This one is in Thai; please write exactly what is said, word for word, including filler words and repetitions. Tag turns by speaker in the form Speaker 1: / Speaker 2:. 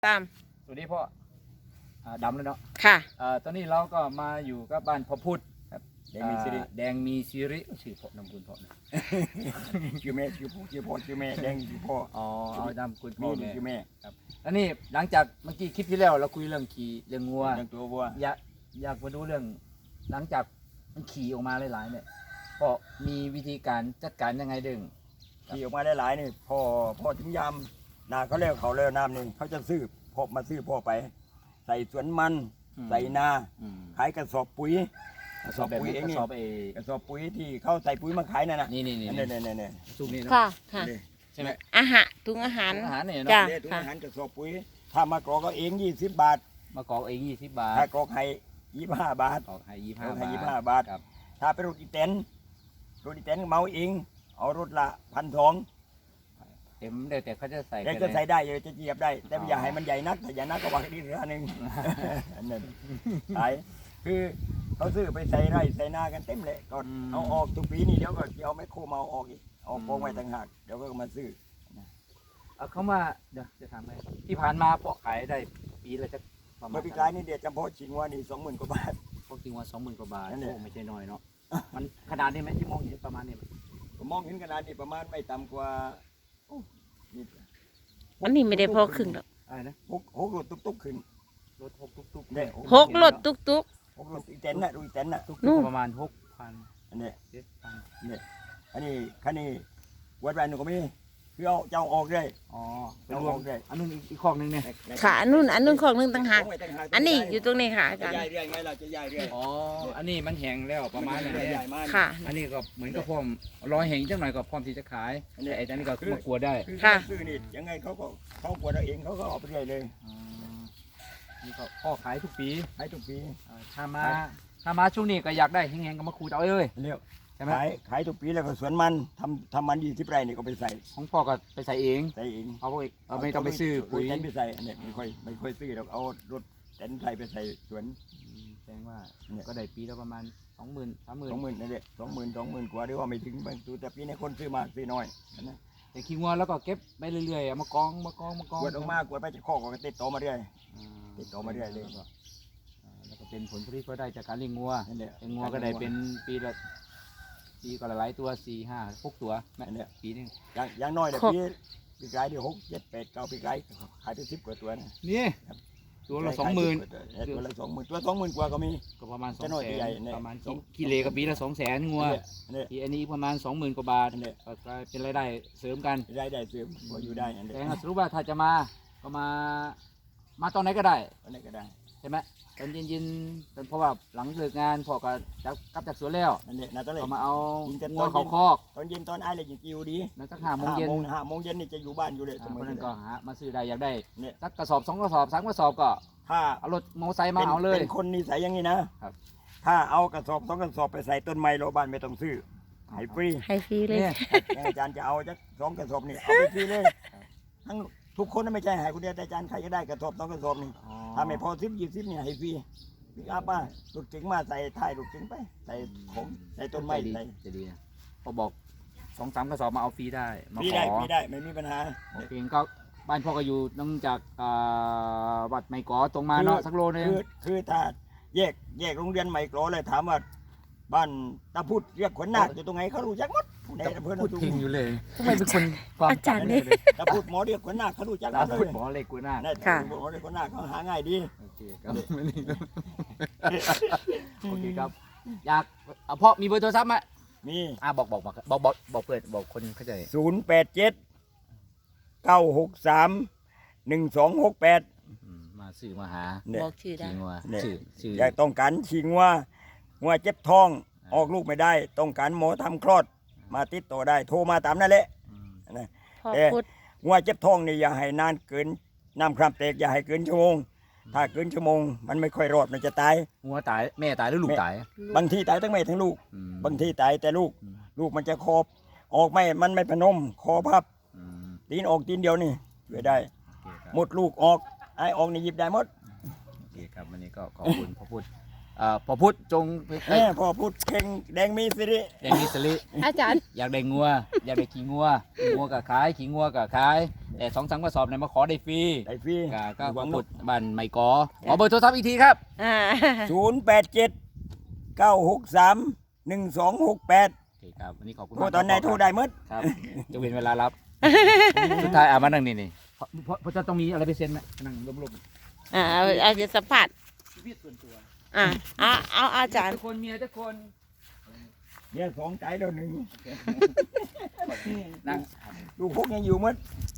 Speaker 1: ตาม
Speaker 2: สวัสดีพ่อดำเลยเนาะ
Speaker 1: ค่ะ
Speaker 2: ตอนนี้เราก็มาอยู่กับบ้านพ่อพุทธครับแดงมีสิริแดงมีสิริชื่อพ่อนำคุณพ่อนะ
Speaker 3: ชื่อแม่ชื่อพ่อชื่อพ่อชื่อแม่แดงชื่อพ่อ
Speaker 2: อ๋อเอานำคุณพ่อแม่
Speaker 3: ชื่อแม่
Speaker 2: ครับแล้วนี่หลังจากเมื่อกี้คลิปที่แล้วเราคุยเรื่องขี่เรื่องงัว
Speaker 3: เรื่องตัววัว
Speaker 2: อยากอยากมาดูเรื่องหลังจากมันขี่ออกมาหลายๆเนี่ยพ่อมีวิธีการจัดการยังไงดึง
Speaker 3: ขี่ออกมาได้หลายนี่พ่อพ่อถึงยามนาเขาเลี้ยเขาเลี้ยน้ำนี่เขาจะซื้อพ่อมาซื้อพ่อไปใส่สวนมันใส่นาขายกระสอบปุ๋ย
Speaker 2: กระสอบปุ๋ยเองนี่กระสอบเอก
Speaker 3: ระสอบปุ๋ยที่เขาใส่ปุ๋ยมาขายนั่นน่ะ
Speaker 2: นี่นี่นี่
Speaker 3: นี่นี่นี่
Speaker 2: ซุปนี่
Speaker 1: ค่ะค่ะ
Speaker 2: ใช่ไหม
Speaker 1: อาหารถุงอาหาร
Speaker 2: อาหารเนี่ย
Speaker 1: จ้ะ
Speaker 3: ถุงอาหารกระสอบปุ๋ยถ้ามากรอกก็เองยี่สิบบาท
Speaker 2: มากรอกเองยี่สิบบาท
Speaker 3: ถ้ากรอกให้ยี่สิบห้าบาท
Speaker 2: กรอกให้ยี่สิบห้าบาท
Speaker 3: ยี่สิบห้าบาทถ้าเป็นรถอีแตนรถอีแตนเมาเองเอารถละพันสอง
Speaker 2: เต็มเดี๋ยวแต่เขาจะใส่
Speaker 3: แต่ก็ใส่ได้เลยจะเจียบได้แต่อย่าให้มันใหญ่นักแต่ใหญ่นักก็วางดีเรือหนึ่งนั่นขายคือเขาซื้อไปใส่ไร่ใส่นากันเต็มเลยก็เอาออกทุกปีนี่เดี๋ยวก็เอาไมโครมาเอาออกอีกเอาโปงไว้ต่างหากเดี๋ยวก็มาซื้อ
Speaker 2: เอาเขามาเดี๋ยวจะถามไหมที่ผ่านมาเพาะขายได้ปีละจะ
Speaker 3: ประมาณปีกายนี่เดี๋ยวจำเพาะชิงว่านี่สองหมื่นกว่าบาท
Speaker 2: พวกจริงว่าสองหมื่นกว่าบาทโอ้ไม่ใช่น้อยเนาะมันขนาดนี้ไหมที่มองเห็นประมาณนี้
Speaker 3: ผมมองเห็นขนาดนี้ประมาณไม่ต่ำกว่า
Speaker 1: วันนี้ไม่ได้พอครึ่งหรอก
Speaker 2: อะไรนะ
Speaker 3: หกหกรถตุ๊กๆขึ้น
Speaker 2: รถหกตุ๊ก
Speaker 3: ๆเนี่ย
Speaker 1: หกรถตุ๊กตุ๊ก
Speaker 3: หกรถอีเต็นน่ะดูอีเต็นน่ะ
Speaker 2: ตุ๊กๆประมาณหกพัน
Speaker 3: อันนี้
Speaker 2: เจ็ดพัน
Speaker 3: เนี่ยอันนี้คันนี้วัดแวนหนูก็มีคือเอาเจ้าออกเลย
Speaker 2: อ๋อเป็นรวมเลยอันนู้นอีกข้อนึงเนี่ย
Speaker 1: ค่ะอันนู้นอันนู้นของนึงต่างหากอันนี้อยู่ตรงนี้ค่ะอาจารย์
Speaker 3: จะใหญ่เรื่อยไงเราจะใหญ่เรื่อย
Speaker 2: อ๋ออันนี้มันแห้งแล้วประมาณนี้
Speaker 1: ค่ะ
Speaker 2: อันนี้ก็เหมือนกับพร้อมรอแห้งจังหน่อยก็พร้อมที่จะขายไอ้อันนี้ก็มากลัวได้
Speaker 3: ค่ะซื้อนี่ยังไงเขาก็เขากลัวเราเองเขาก็เอาไปเรื่อยเลย
Speaker 2: นี่ก็พ่อขายทุกปี
Speaker 3: ขายทุกปี
Speaker 2: ถ้ามาถ้ามาช่วงนี้ก็อยากได้แห้งๆก็มาขูดเอาเลย
Speaker 3: เรียกขายขายทุกปีแล้วก็สวนมันทำทำมันยี่สิบไร่นี่ก็ไปใส่
Speaker 2: ของพ่อก็ไปใส่เอง
Speaker 3: ใส่เอง
Speaker 2: เอาไปเอาไม่ต้องไปซื้อปุ๋ย
Speaker 3: ไปใส่เนี่ยไม่ค่อยไม่ค่อยซื้อเราเอารถแตนไทยไปใส่สวน
Speaker 2: แสดงว่าก็ได้ปีละประมาณสองหมื่นสามหมื่น
Speaker 3: สองหมื่นนั่นแหละสองหมื่นสองหมื่นกว่าหรือว่าไม่ถึงบางตัวแต่ปีนี้คนซื้อมากซื้อน้อยนะ
Speaker 2: แต่ขี้งัวแล้วก็เก็บไปเรื่อยๆมากองมากองมากอง
Speaker 3: กวดออกมากวดไปจะข้อก็ติดต่อมาเรื่อยติดต่อมาเรื่อยเลย
Speaker 2: แล้วก็เป็นผลผลิตก็ได้จากการเลี้ยงงัวเลี้ยงงัวก็ได้เป็นปีละปีก็หลายตัวสี่ห้าหกตัวแม่เนี่ยปีนึง
Speaker 3: อย่างอย่างน้อยเดี๋ยวปีปีกายเดี๋ยวหกเจ็ดแปดเก้าปีกายขายไปสิบกว่าตัวนะ
Speaker 2: นี่ตัวละสองหมื่น
Speaker 3: ตัวละสองหมื่นตัวสองหมื่นกว่าก็มี
Speaker 2: ก็ประมาณสองแสนประมาณกิเลกับปีละสองแสนงัวที่อันนี้ประมาณสองหมื่นกว่าบาทเนี่ยก็เป็นรายได้เสริมกัน
Speaker 3: รายได้เสริมพออยู่ได้
Speaker 2: แต่สรุปว่าถ้าจะมาก็มามาตอนไหนก็ได้
Speaker 3: ตอนไหนก็ได้
Speaker 2: ใช่ไหมตอนเย็นๆเพราะว่าหลังเลิกงานพ่อก็จะกลับจากสวนแล้ว
Speaker 3: นั่นแหละนะตอนเลย
Speaker 2: มาเอางัวเขาคอก
Speaker 3: ตอนเย็นตอนไอ้เลยจิ๋วดี
Speaker 2: นะสักห้าโมงเย็น
Speaker 3: ห้าโมงเย็นนี่จะอยู่บ้านอยู่เลย
Speaker 2: สมัยนั้นก็หามาซื้อได้อยากได้เนี่ยสักกระสอบสองกระสอบสามกระสอบก็ถ้าเอารถมอเตอร์ไซค์มาเอาเลย
Speaker 3: เป็นคนนิสัยอย่างนี้นะครับถ้าเอากระสอบสองกระสอบไปใส่ต้นไม้โรบ้านไม่ต้องซื้อให้ฟรี
Speaker 1: ให้ฟรีเลย
Speaker 3: อาจารย์จะเอาจะสองกระสอบนี่เอาไปฟรีเลยทั้งทุกคนไม่ใช่ให้คนเดียวแต่อาจารย์ใครก็ได้กระสอบสองกระสอบนี่ถ้าไม่พอสิบยี่สิบเนี่ยให้ฟรีพี่อาป้าลูกจิงมาใส่ท้ายลูกจิงไปใส่ของใส่ต้นไม้
Speaker 2: ใส่จะดีนะพอบอกสองสามกระสอบมาเอาฟรีได้
Speaker 3: ฟรีได้ฟรีได้ไม่มีปัญหา
Speaker 2: โอเคก็บ้านพ่อก็อยู่นอกจากวัดไม้กอตรงมาเนาะสักโลนึง
Speaker 3: คือคือถ้าแยกแยกโรงเรียนไม้กอเลยถามว่าบ้านตาพุธเรียกขวัญนาคอยู่ตรงไหนเขารู้จักหมด
Speaker 2: ในอำเภอพูดพิงอยู่เลยทำไมเป็นคนความ
Speaker 1: อาจารย์นี่
Speaker 3: ตาพุธหมอเรียกขวัญนาคเขารู้จักหมดเลย
Speaker 2: หมอเล็กขวัญนาค
Speaker 3: ค่ะหมอเล็กขวัญนาคเขาหาง่ายดี
Speaker 2: โอเคครับโอเคครับอยากพ่อมีเบอร์โทรศัพท์ไหม
Speaker 3: มี
Speaker 2: อ่าบอกบอกบอกบอกบอกบอกเปิดบอกคนเข้าใจ
Speaker 3: ศูนย์แปดเจ็ดเก้าหกสามหนึ่งสองหกแปด
Speaker 2: มาสื่อมาหา
Speaker 1: บอกชื่อได้
Speaker 2: ชื่อชื่อ
Speaker 3: อยากต้องการชิงว่าว่าเจ็บท้องออกลูกไม่ได้ต้องการหมอทำคลอดมาติดต่อได้โทรมาตามนั่นแหละนะแต่ว่าเจ็บท้องนี่อย่าให้นานเกินน้ำคร่ำแตกอย่าให้เกินชั่วโมงถ้าเกินชั่วโมงมันไม่ค่อยรอดมันจะตาย
Speaker 2: งัวตายแม่ตายหรือลูกตาย
Speaker 3: บางทีตายทั้งแม่ทั้งลูกบางทีตายแต่ลูกลูกมันจะคอบออกไม่มันไม่พนมคอพับตีนออกตีนเดียวนี่ช่วยได้หมดลูกออกไอ้ออกนี่หยิบได้หมด
Speaker 2: โอเคครับวันนี้ก็ขอบคุณพ่อพุทธพอพุทธจง
Speaker 3: แม่พอพุทธเข่งแดงมีสิริ
Speaker 2: แดงมีสิริ
Speaker 1: อาจารย์
Speaker 2: อยากได้งัวอยากได้ขี้งัวงัวกับขายขี้งัวกับขายแต่สองสามกระสอบเนี่ยมาขอได้ฟรี
Speaker 3: ได้ฟรี
Speaker 2: ก็ก็
Speaker 3: หวัง
Speaker 2: ก
Speaker 3: ลู
Speaker 2: ด
Speaker 3: ก
Speaker 2: บ้านไม่กอขอเบอร์โทรศัพท์อีกทีครับ
Speaker 1: อ่า
Speaker 3: ศูนย์แปดเจ็ดเก้าหกสามหนึ่งสองหกแปด
Speaker 2: โอเคครับวันนี้ขอบคุณ
Speaker 3: โทร
Speaker 2: มาก
Speaker 3: ตอนไหน
Speaker 2: ครับ
Speaker 3: โทรได้หมด
Speaker 2: ครับจะเว้นเวลารับ สุดท้ายอ่ะมานั่งนี่นี่เพราะเพราะเพราะจะต้องมีอะไรไปเซ็นไหมนั่งรวม
Speaker 1: อ่าเอาเอาจะสัมผัส
Speaker 2: ๆชีวิตส่วนตัว
Speaker 1: อ่าเอาเอาอาจารย์
Speaker 2: ทุกคนเมียทุกคน
Speaker 3: เนี่ยสองใจแล้วหนึ่ง
Speaker 2: นั่ง
Speaker 3: ลูกพวกยังอยู่หมด